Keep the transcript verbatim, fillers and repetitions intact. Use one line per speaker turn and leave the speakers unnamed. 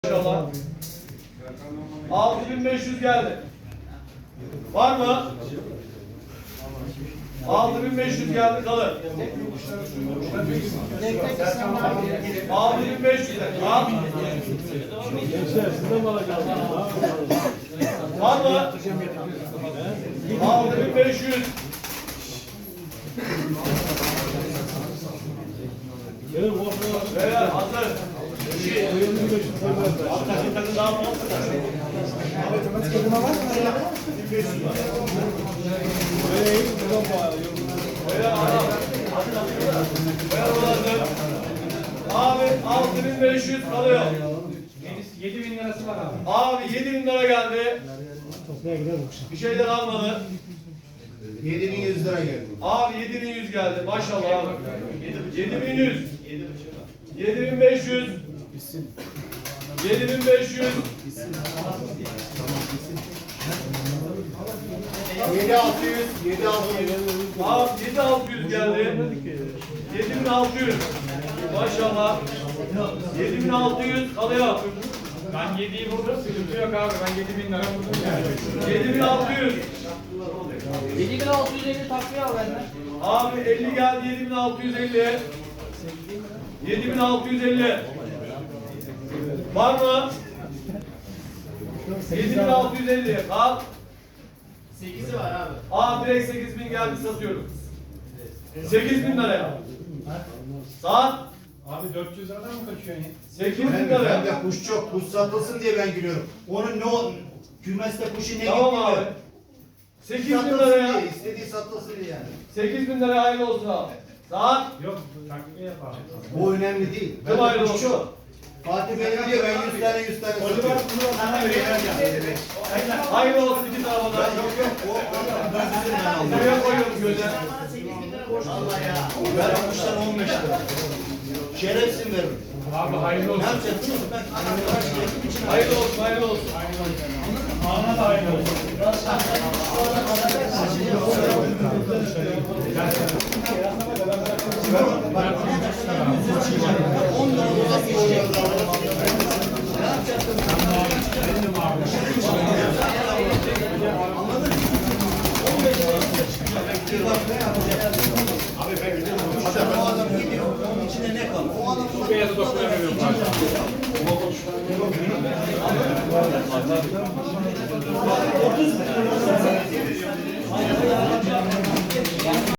İnşallah. altı bin beş yüz geldi. Var mı? altı bin beş yüz geldi, kalır. altı bin beş yüz al. Var mı? altı bin beş yüz. Beyler hazır. Takım takım daha mı? Abi altı bin beş yüz kalıyor.
yedi bin lirası var abi.
Abi yedi bin lira geldi. Bir şeyler almadı.
yedi bin yüz lira geldi.
Abi yedi bin yüz geldi. Maşallah abi. yedi bin yüz. yedi bin beş yüz. yedi bin beş yüz.
yedi altı yüz. yedi altı yüz.
Abi yedi bin altı yüz geldi. yedi bin altı yüz. Maşallah. yedi bin altı yüz kalıyor.
Ben yediyi vurdum, sıkıntı yok abi. Ben yedi bin lira vurdum yani.
yedi bin altı yüz.
yedi bin altı yüz elli takviye al benden.
Abi elli geldi. yedi bin altı yüz elli. yedi bin altı yüz elli. Var mı? yedi bin altı yüz elli. Al.
sekizi var abi.
Abi direkt sekiz bin geldi, satıyorum. sekiz bin liraya. Saat
Abi dört yüz liradan mı kaçıyorsun ya?
sekiz bin
Ben,
liraya.
ben de kuş çok, kuş satılsın diye ben giriyorum. Onun ne o, kümeste kuşu ne
Tamam
gitti
abi.
mi?
sekiz bin
Satılsın
liraya.
diye, istediği satılsın diye yani.
sekiz bin liraya hayırlı olsun abi. Saat
Yok, takviye yap abi.
Bu önemli değil.
Kim
Ben
hayırlı
de kuş
olsun?
çok. Fatih Bey diyor ben yüz tane yüz tane satıyorum.
hayırlı olsun iki tarafa da.
Yok yok o, o ben sizin ben aldım.
Buraya koyuyorum göze.
Bana sekiz bin lira borç Allah ya.
Ben o kuştan on beş lira. Şerefsin veririm.
Abi hayırlı
Ne
olsun.
yapacaksın? Ben arkadaş geldim için.
Hayırlı olsun, hayırlı olsun.
Ana da hayırlı olsun.
on lira uzak geçecek. Ne yapacaksın? Anladın mı? on beş lira bir bak ne yapacak? Abi ben gidiyorum. O adam gidiyor. Onun içinde ne kalır? O adam
Bu beyazı dokunamıyorum abi.
otuz lira.